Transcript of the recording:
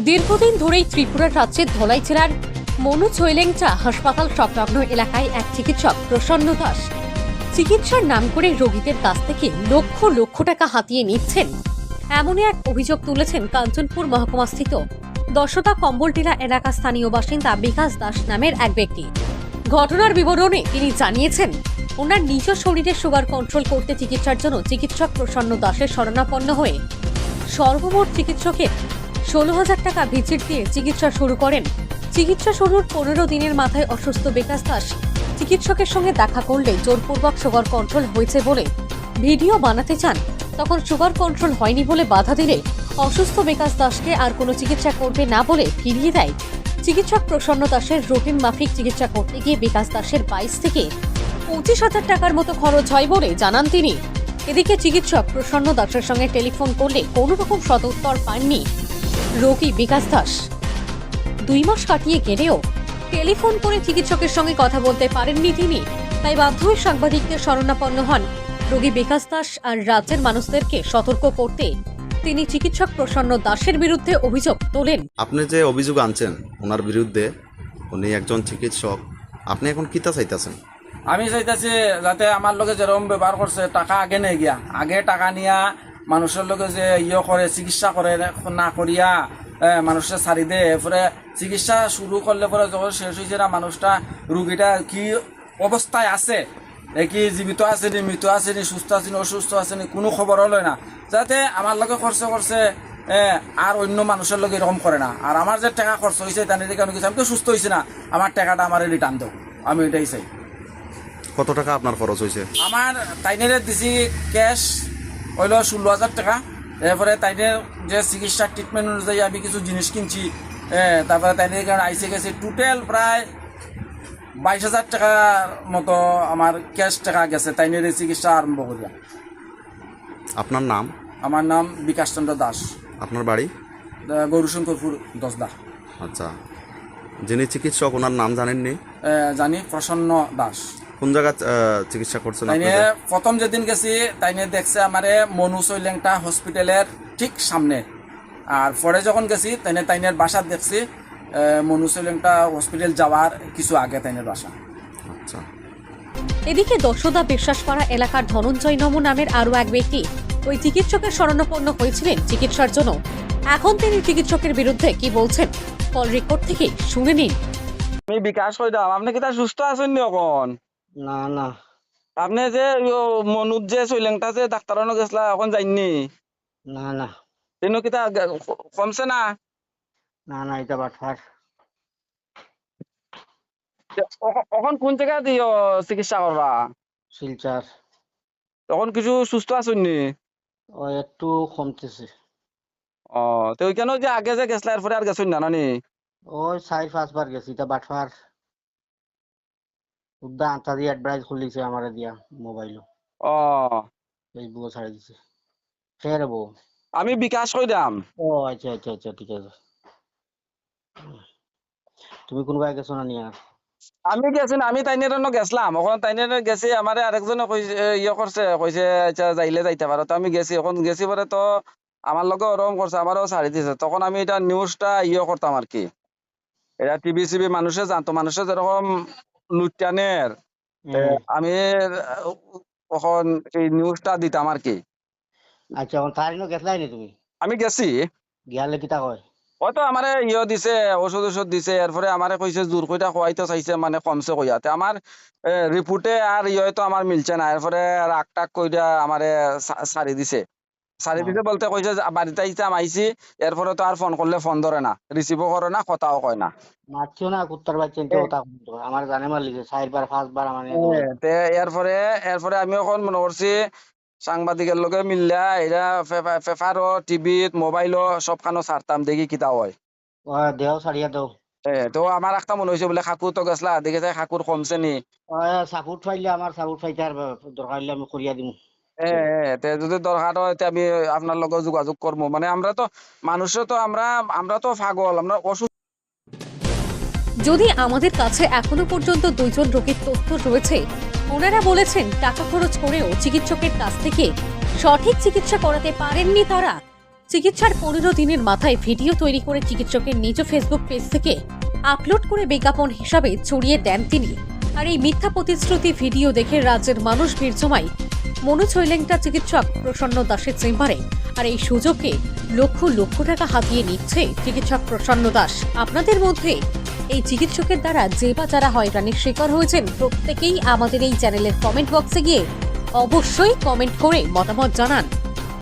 দীর্ঘদিন ধরেই ত্রিপুরার রাজ্যের ধলাই জেলার মনু ছৈলেংচা হাসপাতাল সংলগ্ন এলাকায় এক চিকিৎসক প্রসন্ন দাস চিকিৎসার নাম করে রোগীদের কাছ থেকে লক্ষ লক্ষ টাকা হাতিয়ে নিচ্ছেন এমনই এক অভিযোগ তুলেছেন কাঞ্চনপুর মহকুমাস্থিত দশতা কম্বলটিলা এলাকার স্থানীয় বাসিন্দা বিকাশ দাস নামের এক ব্যক্তি। ঘটনার বিবরণে তিনি জানিয়েছেন, ওনার নিজ শরীরে সুগার কন্ট্রোল করতে চিকিৎসার জন্য চিকিৎসক প্রসন্ন দাসের শরণাপন্ন হয়ে সর্বমোট চিকিৎসকের 16,000 টাকা ভিজিট দিয়ে চিকিৎসা শুরু করেন। চিকিৎসা শুরুর 15 দিনের মাথায় অসুস্থ বিকাশ দাস চিকিৎসকের সঙ্গে দেখা করলে জোরপূর্বক সুগার কন্ট্রোল হয়েছে বলে ভিডিও বানাতে চান। তখন সুগার কন্ট্রোল হয়নি বলে বাধা দিলে অসুস্থ বিকাশ দাসকে আর কোনো চিকিৎসা করবে না বলে ফিরিয়ে দেয়। চিকিৎসক প্রসন্ন দাসের রুটিন মাফিক চিকিৎসা করতে গিয়ে বিকাশ দাসের 22 থেকে 25,000 টাকার মতো খরচ হয় বলে জানান তিনি। এদিকে চিকিৎসক প্রসন্ন দাসের সঙ্গে টেলিফোন করলে কোনো রকম সদুত্তর পাননি রোগী বিকাশ দাস। 2 মাস কাটিয়ে গেলেও টেলিফোন করে চিকিৎসকের সঙ্গে কথা বলতে পারেননি তিনি। তাই বাধ্য হয়ে সাংবাদিকদের শরণাপন্ন হন রোগী বিকাশ দাস। আর রাজ্যের মানুষদেরকে সতর্ক করতে তিনি চিকিৎসক প্রসন্ন দাসের বিরুদ্ধে অভিযোগ তোলেন। আপনি যে অভিযোগ আনছেন ওনার বিরুদ্ধে, উনি একজন চিকিৎসক, আপনি এখন কিতা চাইতেছেন? আমি চাইতেছি যাতে আমার লগে যেরকম ব্যবহার করছে টাকা আগে নেই গিয়া, আগে টাকা নিয়া মানুষের লগে যে করে চিকিৎসা করে না করিয়া মানুষের ছাড়ি দেয়, এরপরে চিকিৎসা শুরু করলে পরে যখন শেষ হয়েছে না মানুষটা রুগীটা কি অবস্থায় আছে, কি জীবিত আছে নি, মৃত আছে নি, সুস্থ আছে নি, অসুস্থ আছে নি, কোনো খবর হলো না, যাতে আমার লগে খরচ করছে আর অন্য মানুষের লগে এরকম করে না। আর আমার যে টাকা খরচ হয়েছে তার কেন কিছু আমি তো সুস্থ হয়েছি না, আমার টাকাটা আমার রিটার্ন দেও, আমি এটাই চাই। কত টাকা আপনার খরচ হয়েছে? আমার তাইনের দিছি ক্যাশ হইল 16,000 টাকা। এরপরে তাইনের যে চিকিৎসা ট্রিটমেন্ট অনুযায়ী আমি কিছু জিনিস কিনছি, তারপরে তাইনের কারণে আইসে গেছে টোটাল প্রায় 22,000 টাকার মতো আমার ক্যাশ টাকা গেছে তাইনের চিকিৎসা আরম্ভ করিয়া। আপনার নাম? আমার নাম বিকাশ চন্দ্র দাস। আপনার বাড়ি? গৌরশঙ্করপুর দশদা। আচ্ছা, যিনি চিকিৎসক ওনার নাম জানেননি? জানি, প্রসন্ন দাস। কোন জায়গা চিকিৎসা করছেন? তাইনে প্রথম যেদিন গেছি তাইনে দেখছে আমারে মনু ছৈলেংটা হসপিটালের ঠিক সামনে। আর পরে যখন গেছি তাইনের বাসা দেখছি মনু ছৈলেংটা হসপিটাল যাওয়ার কিছু আগে তাইনের বাসা। আচ্ছা। এদিকে দশদা বিশ্বাসপাড়া এলাকার ধনঞ্জয় নম নামের আরও এক ব্যক্তি ওই চিকিৎসকের শরণাপন্ন হয়েছিলেন চিকিৎসার জন্য। এখন তিনি চিকিৎসকের বিরুদ্ধে কি বলছেন কল রেকর্ড থেকে শুনে নিন। আমি বিকাশ কইতাম, আপনি কি তার সুস্থ আছেন নি এখন? না না, আপনি যে মনুর যে ছৈলেংটা যে ডাক্তার গেছিলা এখন যাইনি? না না তেন কি তা কমছে না? না না, এটা বাটফার। এখন কোন জায়গায় দিও চিকিৎসা করবা? শিলচার। তখন কিছু সুস্থ আছেন নি? ও একটু কমতেছে। ও তো ওইখানে যে আগে যে গেছিলা এরপরে আর গেছেন না নানি? ওই 4-5 বার গেছি, এটা বাটফার। উদ্দা আন্তা দিয়ে অ্যাডভার্টাইজ খুলিছে আমারে দিয়া মোবাইল, ও ফেসবুকে ছাড়ি দিছে। ফের বউ আমি বিকাশ কইতাম। ও আচ্ছা আচ্ছা আচ্ছা, ঠিক আছে। তুমি কোন জায়গায় গেছো না নিয়া? আমি গেছি না, আমি তাইনের গেছিলাম। এখন তাইনের গেছি আমার আরেকজনে করছে, কইছে আচ্ছা যাইলে যাইতে পারো। তো আমি গেছি, এখন গেছি পরে তো আমার লগে ওরকম করছে, আমারও ছাড়ি দিছে। তখন আমি এটা নিউজটা করতাম আর কি, এটা টিভি সিভি মানুষে জানতো, মানুষে যেরকম লুটানের আমি তখন এই নিউজটা দিতাম আর কি। আচ্ছা, এখন তার গেছলাই নি তুমি? আমি গেছি, গিয়ালে কিতা কয়? হয়তো আমারে দিছে, ওষুধ দিছে। এরপরে আমারে কইছে জোর কইটা খোয়াইতে চাইছে, মানে কমছে কইয়াতে আমার রিপোর্টে আর তো আমার মিলছে না। এরপরে রাগ টাক কইরা আমারে ছাড়ি দিছে। ছাড়ি দিছে বলতে কইছে বাড়িতে আইছি। এরপরে তো আর ফোন করলে ফোন ধরে না, রিসিভও করে না, কথাও কয় না। মারছিও না, কুত্তার বাচ্চা ওটা আমার জানে মার লিখে 4 বার 5 বার আমার। এরপরে আমি এখন মনে করছি সাংবাদিকের লগে মিললা এটা পেপারও, টিভিত, মোবাইলও সবখানো ছাড়তাম, দেখি কিতা হয়। দেও ছাড়িয়া দেও। তো আমার একটা মনে হয়েছে বলে কাকু তো গেছলা, দেখে যায় কাকুর কমছে নি। সাপোর্ট পাইলে আমার সাপোর্ট পাইতে আর দরকার হইলে আমি করিয়া দিমু। যদি দরকার হয় আমি আপনার লগে যোগাযোগ করবো। মানে আমরা তো মানুষও তো আমরা তো পাগল, আমরা অসুস্থ। যদি আমাদের কাছে এখনো পর্যন্ত 2 জন রোগীর তথ্য রয়েছে, ওনারা বলেছেন টাকা খরচ করেও চিকিৎসকের কাছ থেকে সঠিক চিকিৎসা করাতে পারেননি তারা। চিকিৎসার 15 দিনের মাথায় ভিডিও তৈরি করে চিকিৎসকের নিজ ফেসবুক পেজ থেকে আপলোড করে বিজ্ঞাপন হিসাবে ছড়িয়ে দেন তিনি। আর এই মিথ্যা প্রতিশ্রুতি ভিডিও দেখে রাজ্যের মানুষ ভিড় জমায় মনোজ হৈলেংটা চিকিৎসক প্রসন্ন দাসের চেম্বারে। আর এই সুযোগে লক্ষ লক্ষ টাকা হাতিয়ে নিচ্ছে চিকিৎসক প্রসন্ন দাস। আপনাদের মধ্যে এই চিকিৎসকের দ্বারা যে বা যারা হয়রানির শিকার হয়েছেন প্রত্যেকেই আমাদের এই চ্যানেলের কমেন্ট বক্সে গিয়ে অবশ্যই কমেন্ট করে মতামত জানান।